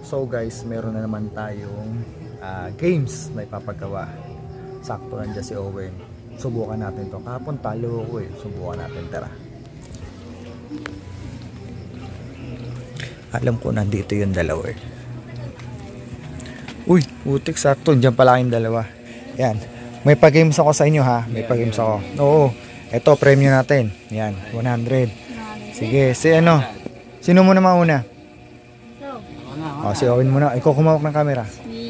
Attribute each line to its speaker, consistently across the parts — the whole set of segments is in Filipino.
Speaker 1: So guys, meron na naman tayong games na ipapagawa. Sakto nandiyan si Owen. Subukan natin to. Kahapon talo ako eh. Subukan natin, tara. Alam ko nandito yung dalawa eh. Uy, utik, sakto. Diyan pala yung dalawa. Yan. May pa-games ako sa inyo ha. May pa-games ako. Oo. Ito, premium natin. Yan, 100. Sige, si ano? Sino muna mauna? O, si Owen muna. Ikaw kumawak ng camera.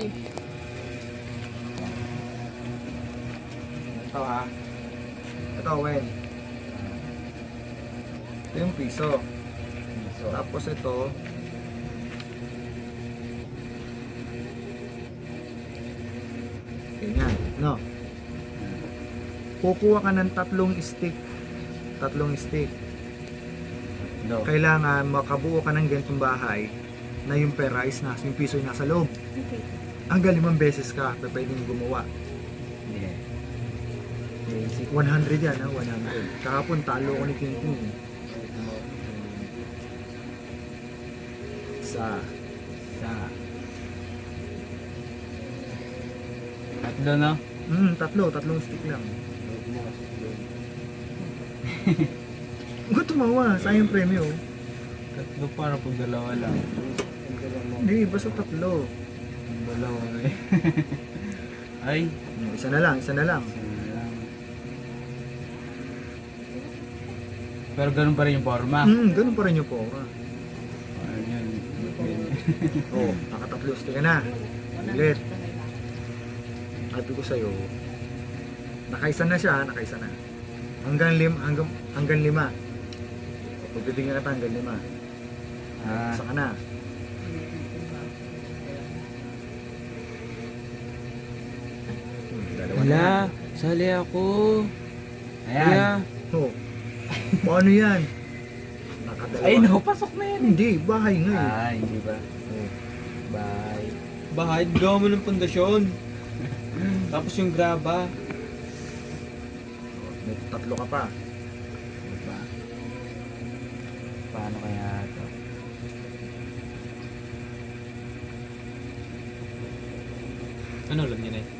Speaker 1: Ito ha. Ito, Owen. Ito yung piso. Tapos ito. Ganyan. No. Kukuha ka ng tatlong stick.
Speaker 2: No.
Speaker 1: Kailangan makabuo ka ng ganitong bahay na yung pera is nasa, yung piso ay nasa loob.
Speaker 3: Okay.
Speaker 1: Hanggang 5 beses ka pwedeng gumawa.
Speaker 2: Yeah.
Speaker 1: 100 yan ha, 100. Kahapon talo ko ni King King. Sa
Speaker 2: Tatlo, no?
Speaker 1: tatlong stick lang. Huwag tumawa, sayang premyo.
Speaker 2: Tatlo para pag dalawa lang.
Speaker 1: Hindi, basta tatlo.
Speaker 2: Dalawa eh. Ay.
Speaker 1: Isa na lang.
Speaker 2: Pero ganun pa rin yung forma.
Speaker 1: Ganun pa rin yung pora.
Speaker 2: Ayun yun.
Speaker 1: Oo, nakatatlo stick ka na. Ulit. Sabi ko sa'yo, nakaisa na siya, nakaisa na. Hanggang 5. Pagbibigyan ka hanggang 5. Isa ka na. Dalawa na.
Speaker 4: Wala, sali ako.
Speaker 2: Ayan.
Speaker 4: Kaya,
Speaker 1: Oh. Paano yan? Nakadalawa.
Speaker 2: Ay, no, pasok na yan.
Speaker 1: Hindi, bahay nga eh.
Speaker 2: Ay, hindi ba?
Speaker 1: Oh.
Speaker 2: Bye.
Speaker 4: bahay, gawa mo ng pundasyon. Tapos yung graba.
Speaker 1: May tatlo ka pa.
Speaker 2: Diba? Paano kaya ito?
Speaker 4: Ano ulam niya na eh?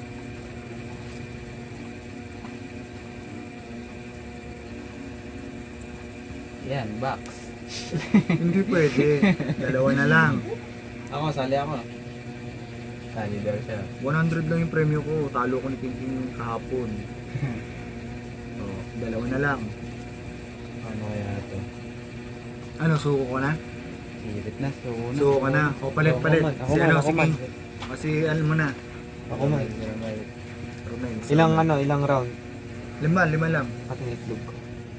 Speaker 2: Yan, box.
Speaker 1: Hindi pwede. Dalawa na lang.
Speaker 4: Ako, sali ako.
Speaker 2: Sali daw siya.
Speaker 1: 100 lang yung premyo ko. Talo ko ni King King kahapon. Oh, dalawa na lang.
Speaker 2: Paano kaya ito?
Speaker 1: Ano, suko ko na?
Speaker 2: Sirit na.
Speaker 1: Suko ka na. O, palit.
Speaker 4: Ako
Speaker 1: Si
Speaker 4: man,
Speaker 1: ano,
Speaker 4: ako
Speaker 1: si
Speaker 4: man.
Speaker 1: King. O, si ano mo na.
Speaker 4: Ako man.
Speaker 1: Romain.
Speaker 4: Ilang round?
Speaker 1: 5 lang.
Speaker 4: At yung itlog ko.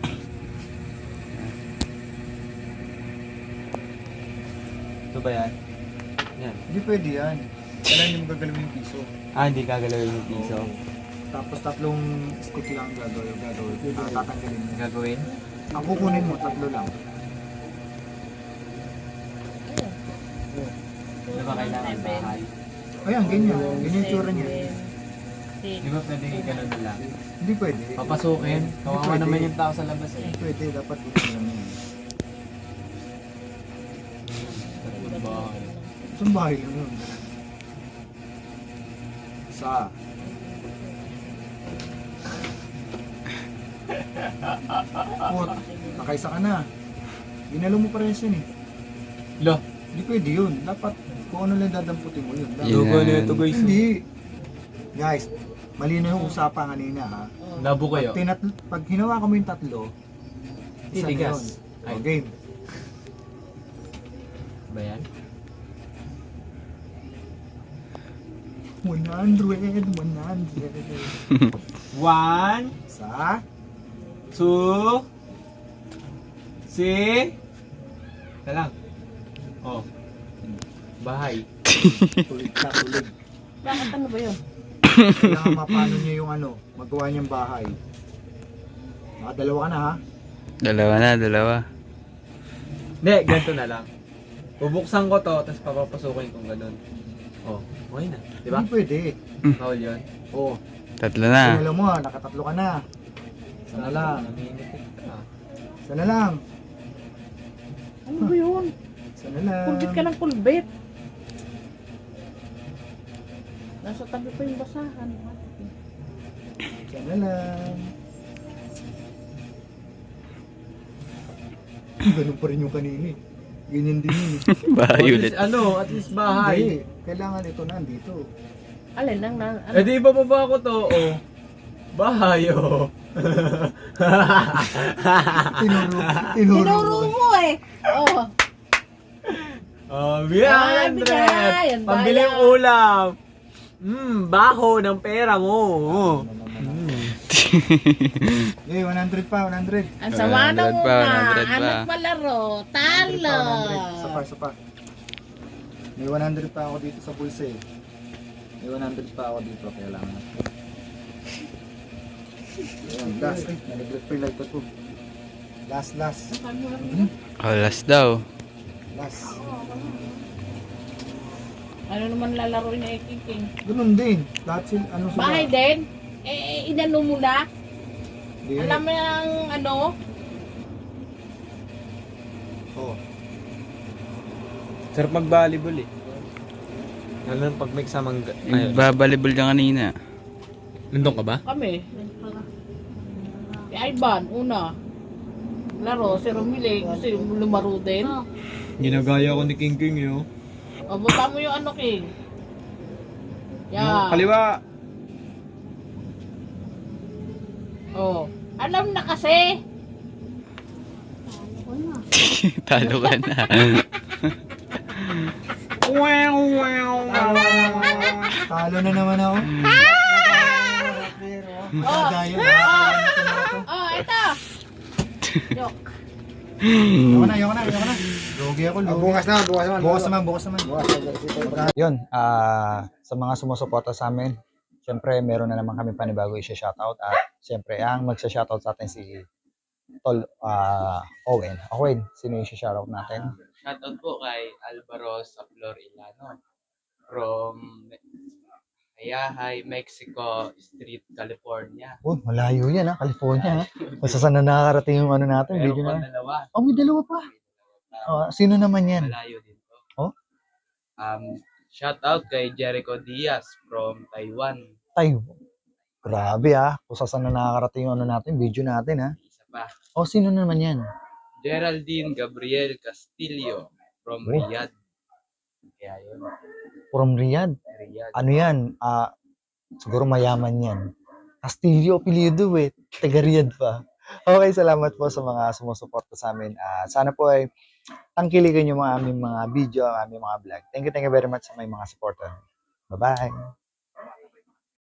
Speaker 4: Ito ba yan? Yan.
Speaker 1: Hindi pwede yan. Kailangan hindi mo gagalawin yung piso.
Speaker 4: Hindi gagalawin yung piso.
Speaker 1: Tapos tatlong stick lang gagawin. Tatanggalin mo.
Speaker 2: Gagawin?
Speaker 1: Ang kukunin mo, tatlo lang.
Speaker 2: Ano ba kailangan bahay?
Speaker 1: Ayan, ganyan. Ganyan yung tsura niya.
Speaker 2: Di ba pwede ganun lang?
Speaker 1: Hindi pwede.
Speaker 2: Papasukin? Kawawa
Speaker 1: Pwede.
Speaker 2: naman yung tao sa labas eh.
Speaker 1: Hindi pwede. Dapat ito lang yan.
Speaker 2: Tatlong bahay.
Speaker 1: Saan bahay lang yun? Sa. Pot. Nakaisa ka na. Ginalo mo parehas yun eh.
Speaker 2: Lo!
Speaker 1: Hindi pwede yun. Dapat kung ano lang dadamputin mo yun. Dapat-
Speaker 4: Logo na ito guys.
Speaker 1: Hindi. Guys, malino yung usapan kanina ha.
Speaker 2: Labo kayo.
Speaker 1: Pag hinawa ko mo yung tatlo, isa na
Speaker 2: Titigas.
Speaker 1: yun. O, game.
Speaker 2: Ba yan?
Speaker 1: 100.
Speaker 2: 1,
Speaker 1: Sa.
Speaker 2: 2, 3, lang. Oh. Bahay.
Speaker 1: Tulig ka, tulig.
Speaker 3: Bakit ano ba yun?
Speaker 1: Kailangan mapano niya yung ano, magawa niyang bahay. Nakadalawa ka na ha.
Speaker 4: Dalawa.
Speaker 2: Hindi, ganito na lang. Bubuksan ko to, tapos papapasukin kung ganun. Oh, okay na. Di ba?
Speaker 1: Hindi pwede.
Speaker 2: Bawal yun.
Speaker 1: Oo.
Speaker 4: Tatlo na.
Speaker 1: Alam mo ha, nakatatlo ka na. Isa na lang.
Speaker 2: Namimitik ka.
Speaker 1: Isa na lang.
Speaker 3: Ano ba yun?
Speaker 1: Isa na lang.
Speaker 3: Kulbit ka ng kulbit. Nasa tabi pa yung basahan.
Speaker 1: Sana lang. Ganun pa rin yung kanina eh. Ganyan din yun eh.
Speaker 5: Bahay ulit.
Speaker 2: At least bahay.
Speaker 1: Hindi, kailangan ito nandito.
Speaker 3: Alin lang na, ano?
Speaker 2: Eh di bababa ko to, oh. Bahay, oh.
Speaker 1: Tinuro
Speaker 3: Tinuro mo eh. Oh.
Speaker 2: Oh,
Speaker 3: Ay,
Speaker 2: 100!
Speaker 3: bigay. Ang
Speaker 2: Pambili yung
Speaker 3: daya.
Speaker 2: ulam. Baho ng pera mo.
Speaker 1: Eh, 100 pa, 100.
Speaker 3: Ang sama
Speaker 5: 100
Speaker 3: ng
Speaker 5: pa,
Speaker 3: una.
Speaker 5: 100 pa.
Speaker 3: Anak malaro. Talo.
Speaker 1: 100. Isa pa. May 100 pa ako dito sa bulsa eh. May 100 pa ako dito, kailangan. Ayan, last. Nalaglag pa yung light ko. Last.
Speaker 5: Alas daw.
Speaker 1: Last.
Speaker 3: Ano naman lalaro niya King?
Speaker 1: Ganun din. Lahat sila, ano sila?
Speaker 3: Bahay din? Eh, inano mo na?
Speaker 1: Di.
Speaker 3: Alam mo yung ano?
Speaker 1: Oh.
Speaker 2: Sarap mag-volleyball eh. Lalo na pag may kasamang...
Speaker 5: Nagbabalibol ka kanina.
Speaker 2: Nandun ka ba?
Speaker 3: Kami. Si Ivan, una. Laro, si Romile, kasi lumaro din.
Speaker 4: Ginagaya ko ni King King yun.
Speaker 3: O, baba mo yung ano, King.
Speaker 4: Yung
Speaker 3: Yan.
Speaker 4: kaliwa.
Speaker 3: Oh. Alam na kasi.
Speaker 5: Talo ka na.
Speaker 1: Talo na naman ako.
Speaker 3: Oh.
Speaker 1: Gaya.
Speaker 3: Oh, ito. Joke.
Speaker 1: Ayoko na. Lugi ako, lugi. Bukas naman. Yun, sa mga sumusuporta sa amin, siyempre meron na naman kami panibago i-shoutout at siyempre ang magsa-shoutout sa atin si Tol Owen. Owen, sino yung shoutout natin?
Speaker 2: Shoutout po kay Alvaro Saplor Ilano from Ayahay, Mexico Street, California.
Speaker 1: Oh, malayo yan ha, California ha. Kung saan na nakakarating yung ano natin,
Speaker 2: Meron
Speaker 1: video
Speaker 2: pa
Speaker 1: na.
Speaker 2: dalawa.
Speaker 1: Oh, may dalawa pa. Sino naman yan?
Speaker 2: Malayo din po.
Speaker 1: Oh?
Speaker 2: Shoutout kay Jericho Diaz from Taiwan.
Speaker 1: Tayo. Grabe ha, kung saan na nakakarating yung ano natin, video natin ha.
Speaker 2: Isa pa.
Speaker 1: Oh, sino naman yan?
Speaker 2: Geraldine Gabriel Castillo from
Speaker 1: Oh.
Speaker 2: Riyadh. Kaya yun.
Speaker 1: From Riyadh.
Speaker 2: Riyadh.
Speaker 1: Ano yan? Siguro mayaman yan. Castillo, apelyido eh. Taga Riyadh pa. Okay, salamat po sa mga sumusuporta sa amin. Sana po ay tangkilikan yung mga aming mga video, aming mga vlog. Thank you very much sa may mga supporter. Bye-bye!